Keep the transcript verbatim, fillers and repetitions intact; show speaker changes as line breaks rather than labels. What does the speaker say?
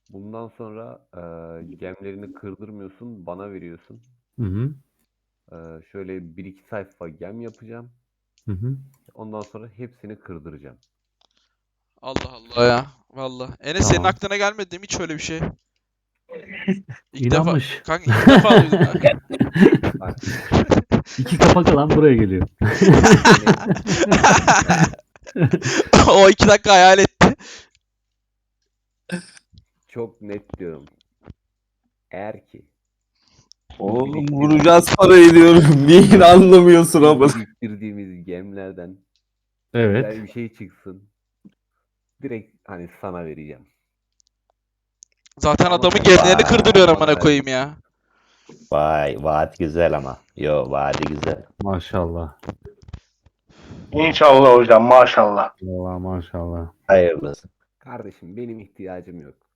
Bundan sonra eee, gemlerini kırdırmıyorsun, bana veriyorsun.
Hı hı.
Eee, şöyle bir iki sayfa gem yapacağım.
Hı hı.
Ondan sonra hepsini kırdıracağım.
Allah Allah ya. Valla. Enes senin
Tamam.
aklına gelmedi değil mi hiç öyle bir şey? İlk defa.
İnanmış.
Kanka ilk defa duydum kanka.
Bak,
İki kapak alan buraya geliyor.
çok net. Bak,
O iki dakika hayal etti.
çok net diyorum. Eğer ki
Oğlum
biriktirdiğimiz,
vuracağız parayı diyorum. Niye anlamıyorsun ama?
biriktirdiğimiz gemlerden
Evet.
güzel bir şey çıksın. Direkt hani sana vereceğim.
Zaten
Ama
adamın
sen
gemlerini kırdırıyor
bana
amına koyayım
vereceksin.
ya.
Vay vaat güzel ama. Yo vaadi güzel.
Maşallah.
İnşallah hocam maşallah.
Allah maşallah.
Hayırlısı.
Kardeşim benim ihtiyacım yok.